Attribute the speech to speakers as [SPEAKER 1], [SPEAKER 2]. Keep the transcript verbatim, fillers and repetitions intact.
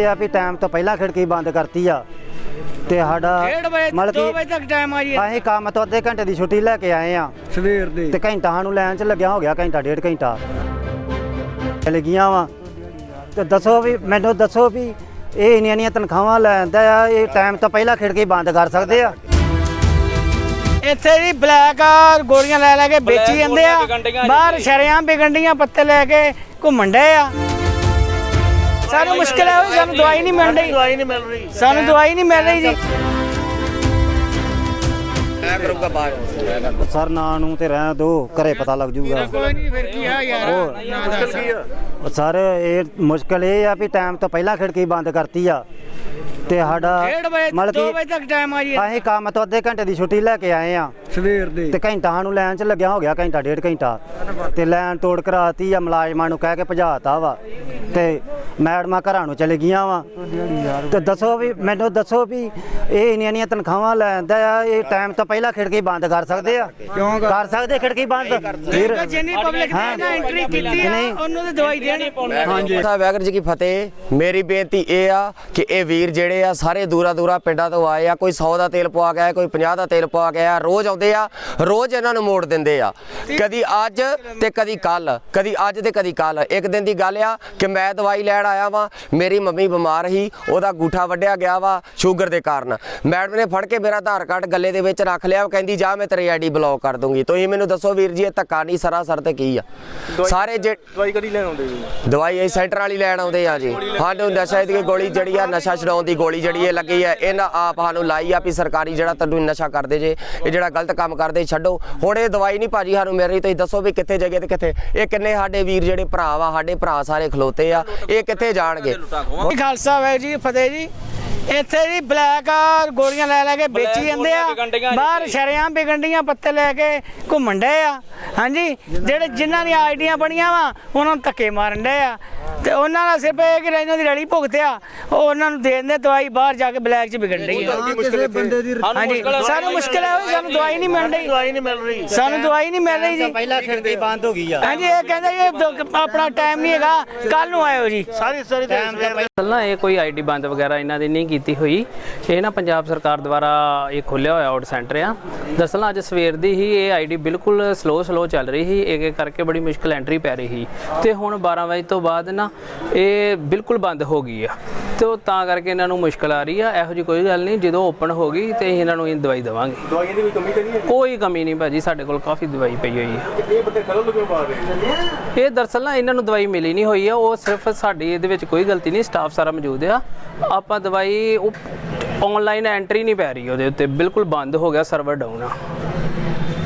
[SPEAKER 1] ਆ ਵੀ ਟਾਈਮ ਤੋਂ ਪਹਿਲਾਂ ਖਿੜਕੀ ਬੰਦ ਕਰਤੀ ਆ ਤੇ ਸਾਡਾ ਮਤਲਬ
[SPEAKER 2] ਦੋ ਵਜੇ ਤੱਕ ਟਾਈਮ ਆ ਜੀ।
[SPEAKER 1] ਅਸੀਂ ਕੰਮ ਤੋਂ ਅੱਧੇ ਘੰਟੇ ਦੀ ਛੁੱਟੀ ਲੈ ਕੇ ਆਏ ਆ
[SPEAKER 2] ਸਵੇਰ ਦੇ
[SPEAKER 1] ਤੇ ਘੰਟਾ ਸਾਨੂੰ ਲੈਣ ਚ ਲੱਗਿਆ ਹੋ ਗਿਆ, ਘੰਟਾ ਡੇਢ ਘੰਟਾ ਲੱਗੀਆਂ ਵਾ। ਤੇ ਦੱਸੋ ਵੀ ਮੈਨੂੰ ਦੱਸੋ ਵੀ ਇਹ ਇੰਨੀਆਂ ਇੰਨੀਆਂ ਤਨਖਾਹਾਂ ਲੈਂਦਾ ਆ, ਇਹ ਟਾਈਮ ਤੋਂ ਪਹਿਲਾਂ ਖਿੜਕੀ ਬੰਦ ਕਰ ਸਕਦੇ ਆ?
[SPEAKER 2] ਇੱਥੇ ਜੀ ਬਲੈਕ ਗੋਲੀਆਂ ਲੈ ਲੈ ਕੇ ਵੇਚੀ ਜਾਂਦੇ ਆ, ਬਾਹਰ ਸ਼ਰਿਆਂ ਵਿਗੰਡੀਆਂ ਪੱਤੇ ਲੈ ਕੇ ਘੁੰਮਣ ਡਏ ਆ। ਸਾਨੂੰ ਮੁਸ਼ਕਿਲ ਹੈ, ਸਾਨੂੰ ਦਵਾਈ ਨਹੀਂ ਮਿਲ ਰਹੀ, ਦਵਾਈ ਨਹੀਂ ਮਿਲ ਰਹੀ ਸਾਨੂੰ ਦਵਾਈ ਨਹੀਂ ਮਿਲ ਰਹੀ ਜੀ।
[SPEAKER 1] ਸਰ ਨਾਂ ਨੂੰ ਤੇ ਰਹਿਣ ਦੋ, ਘਰੇ ਪਤਾ ਲੱਗ ਜੂਗਾ।
[SPEAKER 2] ਕੋਈ ਨਹੀਂ ਫਿਰ ਕੀ ਆ ਯਾਰ,
[SPEAKER 1] ਸਰ ਇਹ ਮੁਸ਼ਕਲ ਇਹ ਆ ਵੀ ਟਾਈਮ ਤੋਂ ਪਹਿਲਾਂ ਖਿੜਕੀ ਬੰਦ ਕਰਤੀ ਆ ਤੇ ਸਾਡਾ ਮਤਲਬ
[SPEAKER 2] ਦੋ ਵਜੇ ਤੱਕ ਟਾਈਮ ਆ ਜੀ।
[SPEAKER 1] ਅਸੀਂ ਕੰਮ ਤੋਂ ਅੱਧੇ ਘੰਟੇ ਦੀ ਛੁੱਟੀ ਲੈ ਕੇ ਆਏ ਆ
[SPEAKER 2] ਸਵੇਰ ਦੇ
[SPEAKER 1] ਤੇ ਘੰਟਾ ਸਾਨੂੰ ਲੈਣ ਚ ਲੱਗਿਆ ਹੋ ਗਿਆ, ਘੰਟਾ ਡੇਢ ਘੰਟਾ ਤੇ ਲੈਣ ਤੋੜ ਕਰਾਤੀ ਆ, ਮੁਲਾਜ਼ਮਾਂ ਨੂੰ ਕਹਿ ਕੇ ਭਜਾਤਾ ਵਾ ਤੇ ਮੈਡਮਾਂ ਘਰਾਂ ਨੂੰ ਚਲੇ ਗਈਆਂ ਵਾ। ਤੇ ਦੱਸੋ ਵੀ ਮੈਨੂੰ ਦੱਸੋ ਵੀ ਇਹ ਇੰਨੀਆਂ ਇੰਨੀਆਂ ਤਨਖਾਹਾਂ ਲੈਂਦਾ ਆ, ਇਹ ਟਾਈਮ ਤੋਂ ਪਹਿਲਾਂ ਖਿੜਕੀ ਬੰਦ ਕਰ ਸਕਦੇ ਆ? ਕਿਉਂ ਕਰ ਸਕਦੇ ਖਿੜਕੀ ਬੰਦ? ਫਿਰ
[SPEAKER 2] ਜਿੰਨੀ ਪਬਲਿਕ ਨੇ ਨਾ ਐਂਟਰੀ ਕੀਤੀ ਆ ਉਹਨੂੰ ਤੇ ਦਵਾਈ ਦੇਣੀ।
[SPEAKER 3] ਹਾਂਜੀ ਵਾਹਿਗੁਰੂ ਜੀ ਕੀ ਫਤਿਹ। ਮੇਰੀ ਬੇਨਤੀ ਇਹ ਆ ਕਿ ਇਹ ਵੀਰ ਜਿਹੜੇ ਆ ਸਾਰੇ ਦੂਰਾ ਦੂਰਾ ਪਿੰਡਾਂ ਤੋਂ ਆਏ ਆ, ਕੋਈ ਸੌ ਦਾ ਤੇਲ ਪਵਾ ਗਿਆ, ਕੋਈ ਪੰਜਾਹ ਦਾ ਤੇਲ ਪਵਾ ਗਿਆ, ਰੋਜ਼ ਆਉਂਦੇ ਆ, ਰੋਜ਼ ਇਹਨਾਂ ਨੂੰ ਮੋੜ ਦਿੰਦੇ ਆ, ਕਦੀ ਅੱਜ ਤੇ ਕਦੀ ਕੱਲ, ਕਦੀ ਅੱਜ ਤੇ ਕਦੀ ਕੱਲ। ਇੱਕ ਦਿਨ ਦੀ ਗੱਲ ਆ ਕਿ ਮੈਂ ਦਵਾਈ ਲੈਣ ਆਇਆ ਵਾਂ, ਮੇਰੀ ਮੰਮੀ ਬਿਮਾਰ ਸੀ, ਉਹਦਾ ਗੂਠਾ ਵੱਢਿਆ ਗਿਆ ਵਾ ਸ਼ੂਗਰ ਦੇ ਕਾਰਨ। ਮੈਡਮ ਨੇ ਫੜ ਕੇ ਮੇਰਾ ਆਧਾਰ ਕਾਰਡ ਗੱਲੇ ਦੇ ਵਿੱਚ ਰੱਖ ਲਿਆ, ਕਹਿੰਦੀ ਜਾ ਮੈਂ ਤੇਰੀ ਆਈਡੀ ਬਲੌਕ ਕਰ ਦੂੰਗੀ। ਤੁਸੀਂ ਮੈਨੂੰ ਦੱਸੋ ਵੀਰ ਜੀ ਇਹ ਧੱਕਾ ਨਹੀਂ ਸਰਾਸਰ ਤੇ ਕੀ ਆ? ਸਾਰੇ ਜੇ
[SPEAKER 4] ਦਵਾਈ ਕਦੀ ਲੈਣ ਆਉਂਦੇ ਜੀ?
[SPEAKER 3] ਦਵਾਈ ਇਹ ਸੈਂਟਰ ਵਾਲੀ ਲੈਣ ਆਉਂਦੇ ਆ ਜੀ। ਸਾਨੂੰ ਨਸ਼ਾ ਦੀ ਗੋਲੀ ਜਿਹੜੀ ਆ, ਨਸ਼ਾ ਛਡਾਉਣ ਦੀ ਗੋਲੀ ਜਿਹੜੀ ਇਹ ਲੱਗੀ ਆ, ਇਹਨਾਂ ਆਪ ਸਾਨੂੰ ਲਾਈ ਆ ਵੀ ਸਰਕਾਰੀ ਜਿਹੜਾ ਤੁਹਾਨੂੰ ਨਸ਼ਾ ਕਰਦੇ ਜੇ, ਇਹ ਜਿਹੜਾ ਗਲਤ ਕੰਮ ਕਰਦੇ ਛੱਡੋ। ਹੁਣ ਇਹ ਦਵਾਈ ਨਹੀਂ ਭਾਜੀ ਸਾਨੂੰ ਮਿਲ ਰਹੀ, ਤੁਸੀਂ ਦੱਸੋ ਵੀ ਕਿੱਥੇ ਜਗ੍ਹਾ ਤੇ ਕਿੱਥੇ? ਇਹ ਕਿੰਨੇ ਸਾਡੇ ਵੀਰ ਜਿਹੜੇ ਭਰਾ ਵਾ, ਸਾਡੇ ਭਰਾ ਸਾਰੇ ਖਲੋਤੇ ਆ, ਇਹ ਕਿੱਥੇ ਜਾਣਗੇ?
[SPEAKER 2] ਖਾਲਸਾ ਵਾਹਿਗੁਰੂ ਜੀ ਫਤਿਹ ਜੀ। ਇੱਥੇ ਜੀ ਬਲੈਕ ਗੋਲੀਆਂ ਲੈ ਲੈ ਕੇ ਵੇਚੀ ਜਾਂਦੇ ਆ, ਬਾਹਰ ਸ਼ਰਿਆਂ ਵਿਗੰਡੀਆਂ ਪੱਤੇ ਲੈ ਕੇ ਘੁੰਮਣ ਡਏ ਆ। ਹਾਂਜੀ, ਜਿਹੜੇ ਜਿਨ੍ਹਾਂ ਦੀਆਂ ਆਈਡੀਆਂ ਬਣੀਆਂ ਵਾ ਉਹਨਾਂ ਨੂੰ ਧੱਕੇ ਮਾਰਨ ਡਏ ਆ ਤੇ ਉਹਨਾਂ ਦਾ ਸਿਰਫ ਇਹ ਕਿ ਇਹਨਾਂ ਦੀ ਰਲੀ ਭੁਗਤਿਆ, ਉਹ ਉਹਨਾਂ ਨੂੰ ਦੇ ਦਿੰਦੇ ਦਵਾਈ, ਬਾਹਰ ਜਾ ਕੇ ਬਲੈਕ 'ਚ ਵਿਗੜ ਰਹੀ ਹੈ। ਹਾਂਜੀ, ਸਾਨੂੰ ਮੁਸ਼ਕਿਲ ਹੈ, ਸਾਨੂੰ ਦਵਾਈ ਨਹੀਂ ਮਿਲ ਰਹੀ, ਦਵਾਈ ਨਹੀਂ ਮਿਲ ਰਹੀ ਸਾਨੂੰ ਦਵਾਈ ਨਹੀਂ ਮਿਲ ਰਹੀ ਜੀ।
[SPEAKER 1] ਪਹਿਲਾਂ ਖਿੜਕੀ ਬੰਦ ਹੋ ਗਈ ਆ।
[SPEAKER 2] ਹਾਂਜੀ, ਇਹ ਕਹਿੰਦੇ ਇਹ ਆਪਣਾ ਟਾਈਮ ਨਹੀਂ ਹੈਗਾ, ਕੱਲ ਨੂੰ ਆਇਓ ਜੀ।
[SPEAKER 1] ਸਾਰੀ ਸਾਰੀ
[SPEAKER 5] ਪਹਿਲਾਂ ਇਹ ਕੋਈ ਆਈਡੀ ਬੰਦ ਵਗੈਰਾ ਇਹਨਾਂ ਦੀ ਨਹੀਂ ਕੀਤੀ ਹੋਈ, ਇਹ ਨਾ ਪੰਜਾਬ ਸਰਕਾਰ ਦੁਆਰਾ ਇਹ ਖੋਲ੍ਹਿਆ ਹੋਇਆ ਆਊਟ ਸੈਂਟਰ ਆ। ਦਰਅਸਲ ਅੱਜ ਸਵੇਰ ਦੀ ਹੀ ਇਹ ਆਈਡੀ ਬਿਲਕੁਲ ਸਲੋ ਸਲੋ ਚੱਲ ਰਹੀ ਸੀ, ਇੱਕ ਇੱਕ ਕਰਕੇ ਬੜੀ ਮੁਸ਼ਕਿਲ ਐਂਟਰੀ ਪੈ ਰਹੀ ਸੀ ਤੇ ਹੁਣ ਬਾਰਾਂ ਵਜੇ ਤੋਂ ਬਾਅਦ ਨਾ ਇਹ ਬਿਲਕੁਲ ਬੰਦ ਹੋ ਗਈ ਆ ਤੇ ਉਹ ਤਾਂ ਕਰਕੇ ਇਹਨਾਂ ਨੂੰ ਮੁਸ਼ਕਿਲ ਆ ਰਹੀ ਆ। ਇਹੋ ਜਿਹੀ ਕੋਈ ਗੱਲ ਨਹੀਂ, ਜਦੋਂ ਓਪਨ ਹੋ ਗਈ ਤੇ ਇਹਨਾਂ ਨੂੰ ਇਹ ਦਵਾਈ ਦੇਵਾਂਗੇ।
[SPEAKER 4] ਦਵਾਈਆਂ ਦੀ ਕੋਈ ਕਮੀ ਤਾਂ ਨਹੀਂ ਹੈ?
[SPEAKER 5] ਕੋਈ ਕਮੀ ਨਹੀਂ ਭਾਜੀ, ਸਾਡੇ ਕੋਲ ਕਾਫੀ ਦਵਾਈ ਪਈ ਹੋਈ ਆ।
[SPEAKER 4] ਇਹ ਬੰਦੇ ਖਲੋ ਕਿਉਂ ਪਾ ਰਹੇ?
[SPEAKER 5] ਇਹ ਦਰਅਸਲ ਨਾ ਇਹਨਾਂ ਨੂੰ ਦਵਾਈ ਮਿਲੀ ਨਹੀਂ ਹੋਈ ਆ, ਉਹ ਸਿਰਫ ਸਾਡੀ ਇਹਦੇ ਵਿੱਚ ਕੋਈ ਗਲਤੀ ਨਹੀਂ, ਸਟਾਫ ਸਾਰਾ ਮੌਜੂਦ ਆ। ਆਪਾਂ ਦਵਾਈ ਉਹ ਆਨਲਾਈਨ ਐਂਟਰੀ ਨਹੀਂ ਪੈ ਰਹੀ ਉਹਦੇ ਉੱਤੇ, ਬਿਲਕੁਲ ਬੰਦ ਹੋ ਗਿਆ, ਸਰਵਰ ਡਾਊਨ ਆ।